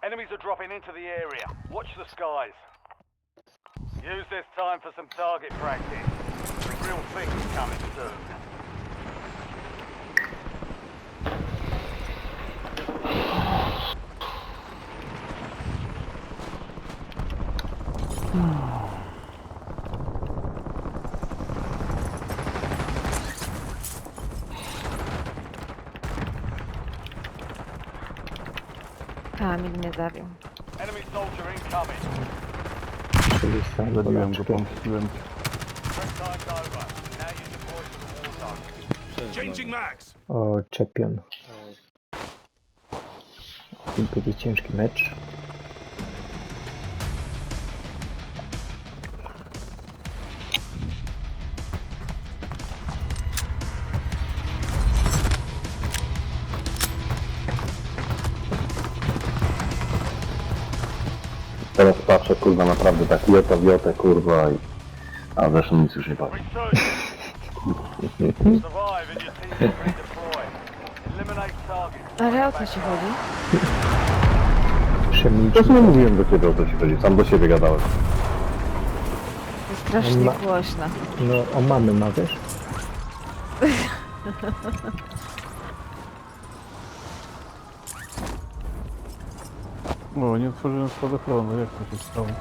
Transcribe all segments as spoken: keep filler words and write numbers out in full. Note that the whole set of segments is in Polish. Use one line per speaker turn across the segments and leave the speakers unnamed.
Enemies are dropping into the area. Watch the skies. Use this time for some target practice. The real thing's coming soon.
Kamil mnie zabił.
Enemy soldier incoming.
Czyli sam
Zabiłem go,
Polaczkę.
pomściłem.
Prep time's over. Now you deploy to the war zone. Changing mags.
O, czepion. I będzie ciężki mecz.
Teraz patrzę, kurwa, naprawdę tak jota, wiotę, kurwa i... A zresztą nic już nie patrzę.
Resurgence. Survive and your team will redeploy. Eliminate targets.
Ale o co ci chodzi?
Przemilczmy.
Też nie mówiłem do ciebie o co ci chodzi, sam do siebie gadałem.
Jest strasznie
Ma-
głośno.
No, o mamy ma, wiesz?
No, nie otworzyłem spadochronu, jak to się stało?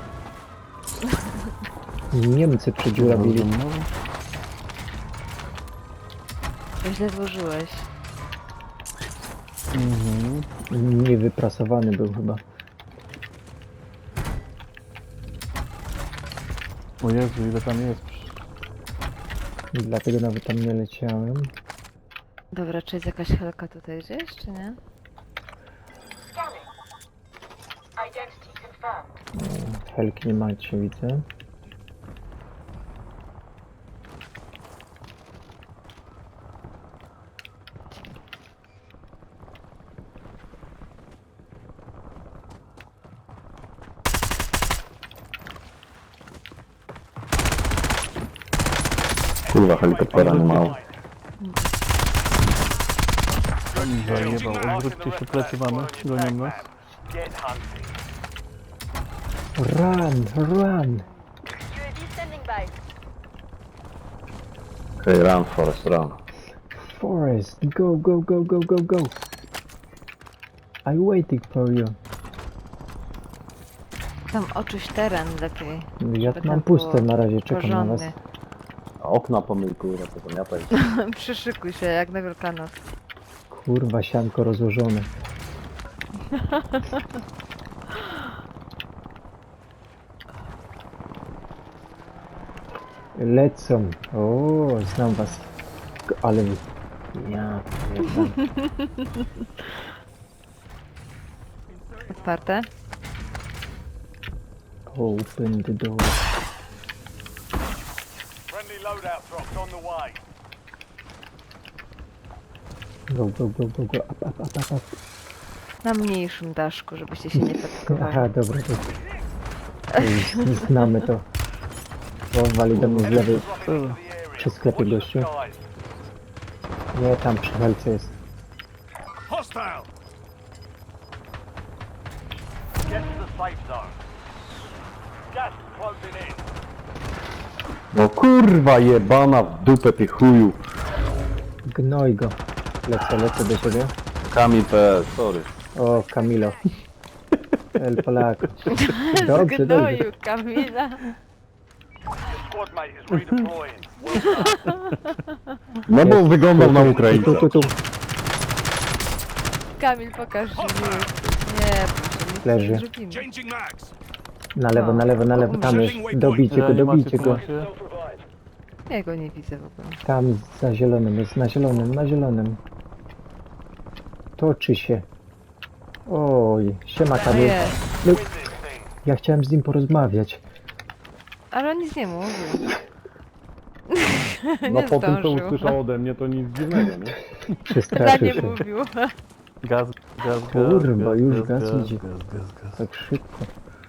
Niemcy przedziurawili.
Źle złożyłeś.
Mhm.
Niewyprasowany był chyba.
O Jezu, ile tam jest?
Dlatego nawet tam nie leciałem.
Dobra, czy jest jakaś helka tutaj gdzieś, czy nie?
Scanning. Identity confirmed.
Helki nie macie, widzę.
Kurwa, helikoptera nie mało. Zajebał, odwróćcie się, plecy mamy, gonią nas.
Get hunting.
Run, run!
U A V standing by.
Hej, run, Forest, run.
Forest, go, go, go, go, go, go! I'm waiting for you.
Tam oczyś teren lepiej.
Ja
żeby
mam
tam
puste
było
na razie, czekam na was.
porządnie.
A okna pomyj, kurwa, to zamiataj.
Przyszykuj się jak na Wielkanoc.
Kurwa, sianko rozłożone. Lecą. O, znam was. K- Ale... Ja... pierdolę.
Otwarte?
Open the door.
Friendly loadout drops on the way.
Go, go, go, go, go. Up, up, up, up, up.
Na mniejszym daszku, żebyście się nie patkowali.
Aha, dobra, to... to już znamy to. O, wali do mnie z lewej.
Dropping into the area.
Przy sklepie,
Watch the
gościu.
skies.
Nie, tam przy helce jest.
Hostile. Get to the safe zone. Gas is closing in.
No kurwa jebana w dupę ty chuju.
Gnoj go. Lecę, lecę do ciebie.
Kamil P, sorry.
O, Kamilo. El Polak. Dobrze, dobrze.
Zgnoił Kamila.
Your squad mate is redeploying. Well done.
No bo wyglądał na
Tu,
Ukraińca.
tu, tu.
Kamil, pokaż, że nie Nie, proszę, nic
Leży.
nie zrobimy.
Changing mags.
Na lewo, na lewo, na lewo. Tam jest. Dobijcie go, dobijcie go.
Ja go nie widzę w ogóle.
Tam za zielonym jest, na zielonym, na zielonym. Toczy się. Oj, siema Kamil.
Jest.
No,
Win this thing.
ja chciałem z nim porozmawiać.
Ale on nic nie mówił.
No
Nie
po tym co
zdążył.
usłyszał ode mnie to nic dziwnego, nie?
Za
Przestraszył
nie
się.
mówił.
Gaz, gaz, gaz.
Kurwa, już gaz
gaz,
idzie.
Gaz, gaz, gaz.
Tak szybko.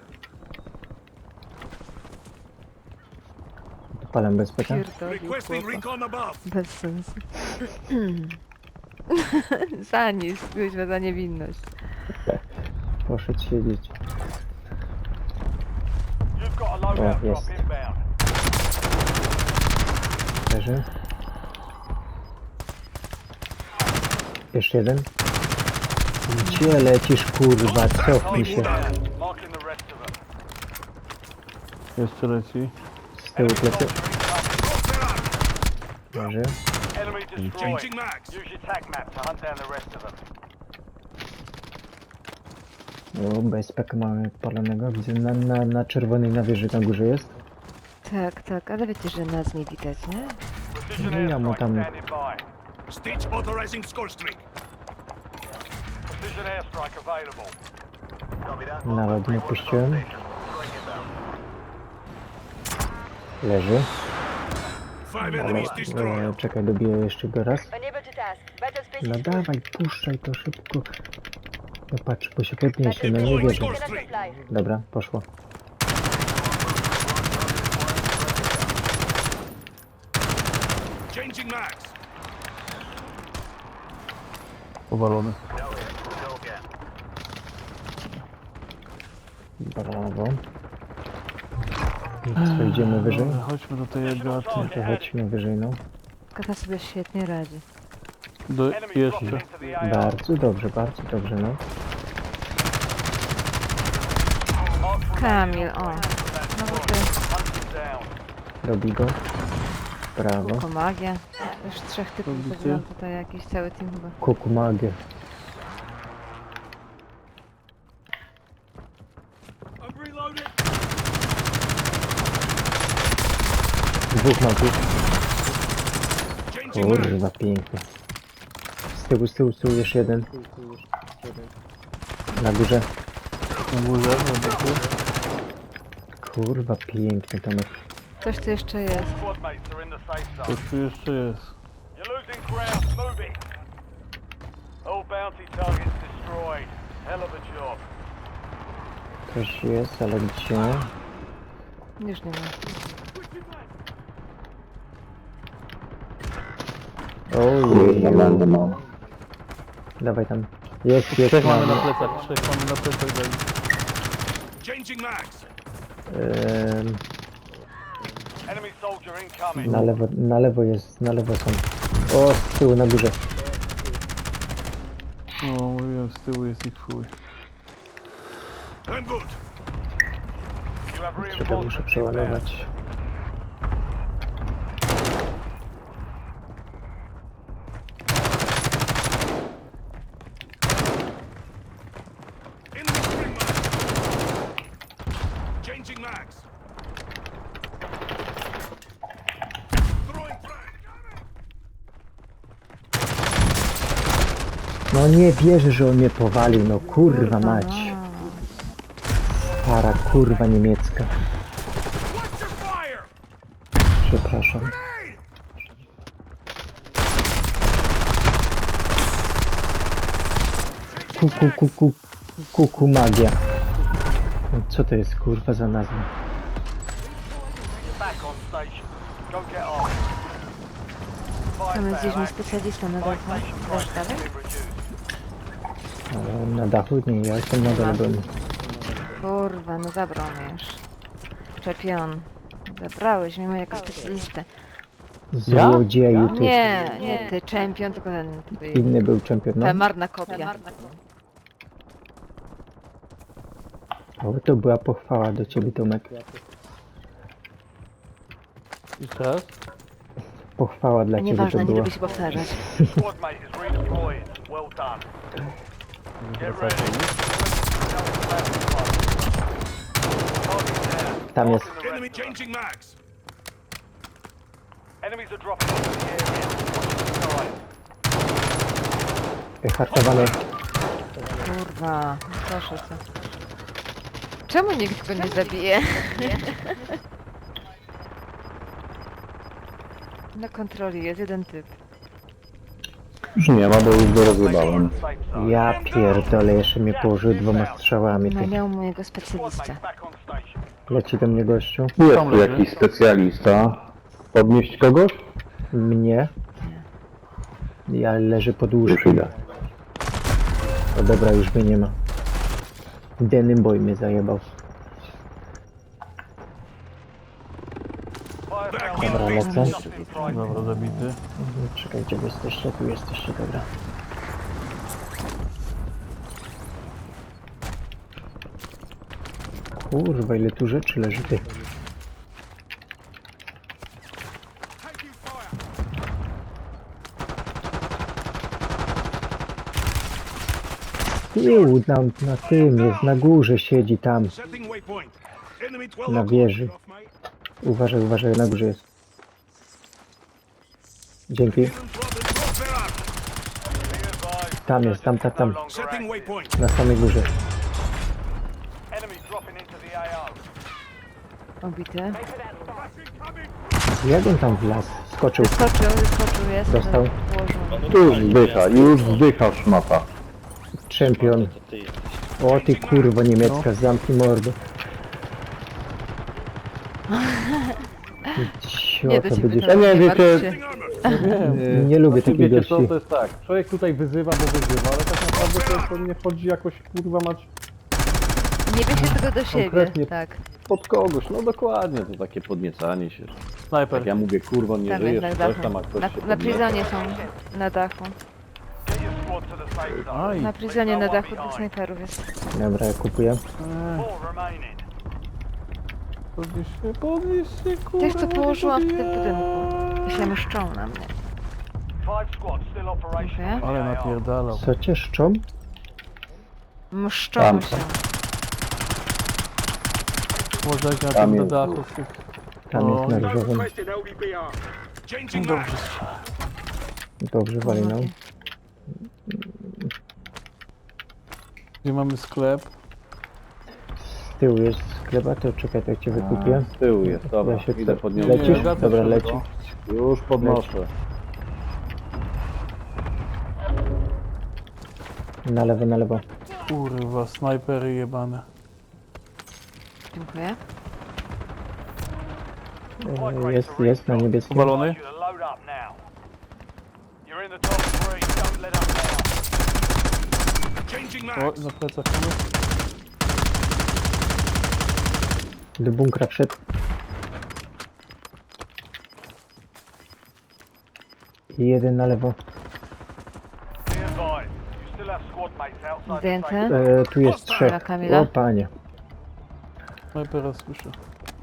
Dopalam bezpeka.
Pierdolił
Requesting
chłopa.
recon above.
Bez sensu. Za nic, kuźwa, za niewinność.
Po poszedł siedzieć.
You've got a loadout
Oh,
drop
yes.
inbound.
Leży. Jeszcze jeden. Gdzie lecisz, kurwa? Cofnij się.
Marking the rest of them.
Jeszcze leci.
Z tyłu
Enemy
plecy.
soldier incoming.
Leży.
Enemy destroyed. Use your tac map to hunt down the rest of them.
O, B S P mamy odpalonego. Widzę na, na, na czerwonej na wieży na górze jest.
Tak, tak, ale wiecie, że nas nie widać, nie?
Precision
No ja mu
airstrike
tam-
standing by.
Stitch authorizing score streak.
Precision airstrike available.
Nawet nie puściłem. Leży.
Five
Ale
enemies
e,
destroyed.
czekaj, dobiję jeszcze go raz.
Unable to task. Battle space
No
is
dawaj, puszczaj to szybko. No patrz, bo się podniesie, no nie
Deploying
wierzę.
score
Cannot
streak.
supply.
Dobra, poszło.
Changing mags.
Powalony.
Brawo. I co, idziemy wyżej?
Dobra, chodźmy do tej Agaty.
No to chodźmy wyżej, no.
Kata sobie świetnie radzi.
Do,
Enemy dropping
jeszcze.
into the A R.
Bardzo dobrze, bardzo dobrze, no.
Mark for
Kamil,
remaining
o.
operators.
No bo ty,
Hunt them down.
Robi go. Brawo.
tylko magia. Już trzech typów
Robicie?
wybrałam tutaj, jakiś cały team chyba.
Kuku magię.
I'm reloading.
Dwóch magów.
Changing mags.
Kurwa, pięknie. Z tyłu, z tyłu, z tyłu, jeszcze jeden. Na górze.
Na górze, na boku.
Kurwa, pięknie, Tomek.
Coś tu jeszcze jest.
Squad mates are in the safe zone.
Coś tu jeszcze jest.
You're losing ground. Move it. All bounty targets destroyed. Hell of a job.
Też jest, ale gdzie?
Już nie ma.
Ojej,
Kurwa, będę mam.
dawaj tam. Jest, jest,
Trzech mamy na
mamy.
plecach, trzech mamy na plecach. daj.
Changing mags.
Ehm,
Enemy soldier incoming.
na lewo, na lewo jest, na lewo są. O, z tyłu, na górze.
No, mówiłem, z tyłu jest ich chuj.
I'm good.
You have
Czekaj, muszę
reinforcements inbound.
przeładować.
Enemy spring mags. Changing mags. Throwing frag.
No nie wierzę, że on mnie powalił, no kurwa mać. Para kurwa niemiecka.
Watch your fire.
Przepraszam. Kuku, kuku, kuku magia. No co to jest kurwa za nazwa?
Back on station. Go get off.
Tam jest gdzieś mój
Firepower
specjalista na
active.
dachu.
Station
Dasz
prices
dalej?
have been reduced.
Ale na dachu nie, ja jestem na dole byłem.
Kurwa, no zabrał mnie już. Czepion. Zabrałeś mnie jako specjalistę.
Złodzieju ty.
Nie, nie ty, czempion, tylko ten twój...
Inny był czempion, no.
Ta marna kopia.
O, to była pochwała do ciebie, Tomek.
Jeszcze raz?
Pochwała dla ciebie
Nieważne,
to
nie
była.
lubię się powtarzać.
Squad mate is redeployed. Well done. Get ready.
Tam jest.
Enemy changing mags.
Enemies are dropping into the area. Watch
Hartowane.
Kurwa, proszę cię. Czemu nikt go nie zabije? Na kontroli jest jeden typ.
Już nie ma, bo już go
the
rozjebałem.
safe zone.
Ja pierdolę, jeszcze mnie położył dwoma strzałami.
No
Ty.
miał mojego
Squad
specjalistę.
mate back on station.
Leci do mnie gościu.
Jest tu jakiś specjalista. Podnieść kogoś?
Mnie. Ja leżę pod
Już
łóżkiem.
idę.
O dobra, już mnie nie ma. Denim boy mnie zajebał. Dobra, lecę.
Dobra, zabity.
Czekajcie, wy jesteście, tu jesteście, dobra. Kurwa, ile tu rzeczy leży, ty.
Taking fire.
Tył, tam na tym jest, na górze siedzi tam.
Setting waypoint. Enemy twelve
Na
o'clock.
wieży.
Off, mate.
Uważaj, uważaj, na górze jest. Dzięki.
Hidden problem. Drop their armor.
Tam jest, tam, tam, tam.
Setting waypoint.
Na samej górze.
Enemy dropping into the A O.
Obity.
Jak on tam wlazł? Skoczył.
Wyskoczył, wyskoczył, jest.
Dostał.
Położył.
Tu już zdycha, już zdycha szmata.
Czempion. O ty kurwo niemiecka, zamknij mordę.
Nie
Cio,
do
to
ciebie
będziesz...
to
nie,
nie
wiecie-
martw się.
Nie, nie lubię
Znaczy,
takich
wiecie co,
gości.
to jest tak. Człowiek tutaj wyzywa, bo wyzywa, ale tak naprawdę to, to nie chodzi jakoś kurwa mać
Nie bierz się tego do siebie,
Konkretnie.
tak.
Pod kogoś, no dokładnie, to takie podniecanie się.
snajper.
Jak ja mówię, kurwa, nie
Tam
żyjesz,
jest na
coś
dachu.
tam, a ktoś
Na,
się
na
podnieca.
prizonie są na dachu.
Get your squad to the safe zone.
Aj,
Na prizonie na dachu dwóch snajperów jest.
Dobra, ja kupuję.
Four remaining.
podnieś się, podnieś się, kurwa.
Tych, co położyłam w tym budynku. To się mszczą na mnie.
Five squads still operational.
Dziękuję.
in the
Ale
A O.
napierdalał.
Co cię szczą?
Mszczą
Tam.
się.
Może jak na
Tam
tym na
jest
dachu
dwóch.
z tych...
Tam jest na różowym.
Changing mags.
Dobrze, wali nam.
Gdzie mamy sklep?
Z tyłu jest sklep, a to czekaj, to jak cię wykupię.
Z tyłu jest, dobra,
Ja się
idę
co-
podniosę.
Lecisz?
Nie, wracam
Dobra,
się,
leci.
no.
Już podnoszę.
Na lewo, na lewo.
Kurwa, snajpery jebane.
Dziękuję.
E, Jest, jest na niebieskim.
Powalony?
You to load up now. You're in the top three. Don't let up now.
Changing
O,
mags.
na plecach mamy.
Do bunkra wszedł. I jeden na lewo.
Be advised. You still have squad mates outside the
Zdjęte.
safe
E, tu jest trzech.
Dobra, Kamila.
O panie.
Snajpera słyszę.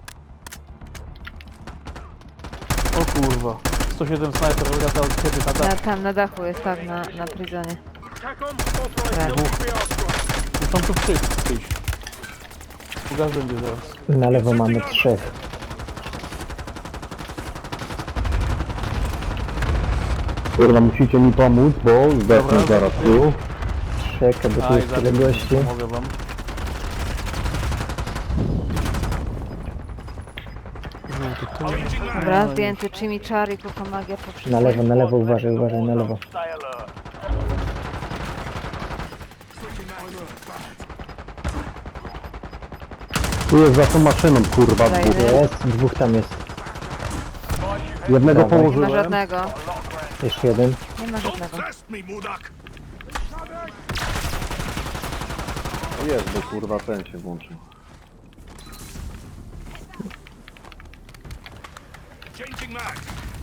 O kurwa. sto siedem snajper lata od ciebie na
Na,
dach.
tam na dachu jest, tak, na, na prizonie. Tak.
Są tu przyjść. przyjść. Gaz będzie zaraz.
Na lewo mamy trzech.
Kurwa, musicie mi pomóc, bo zdechnę
Dobra.
zaraz tu.
Czekaj, bo tu jest tyle gości.
Mogę wam.
Changing mags.
Dobra, zdjęty chimichari, kupa magia poprzez...
Na lewo, na lewo, uważaj, uważaj, na lewo.
Stay alert.
Tu jest za tą maszyną, kurwa,
Dajmy.
dwóch.
Jest, dwóch tam jest.
Jednego
Dawaj.
Nie ma
położyłem.
żadnego.
Jeszcze jeden.
Nie ma
Don't
żadnego.
test me, Mudak.
Jest, bo kurwa ten się włączył.
Changing mags.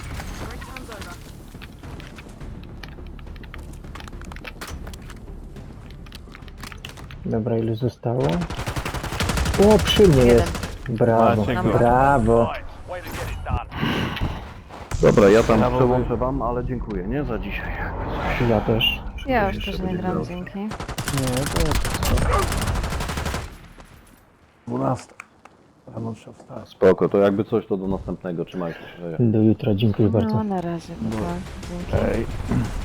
Dobra, ile zostało? O, przy mnie
Jeden.
jest. Brawo,
Maciek.
brawo.
Right. Way to get it done.
Dobra, ja tam
Brawo,
przełączę wam, ale dziękuję, nie? Za dzisiaj.
Ja też.
Ja już
Jeszcze
też nie
będzie
gram,
grał.
dzięki.
Nie, to jest... dwunasta. Rano trzeba wstać.
Spoko, to jakby coś, to do następnego. Trzymajcie się.
Do jutra, dziękuję bardzo.
No, na razie. pa, pa. Dzięki.
Ej.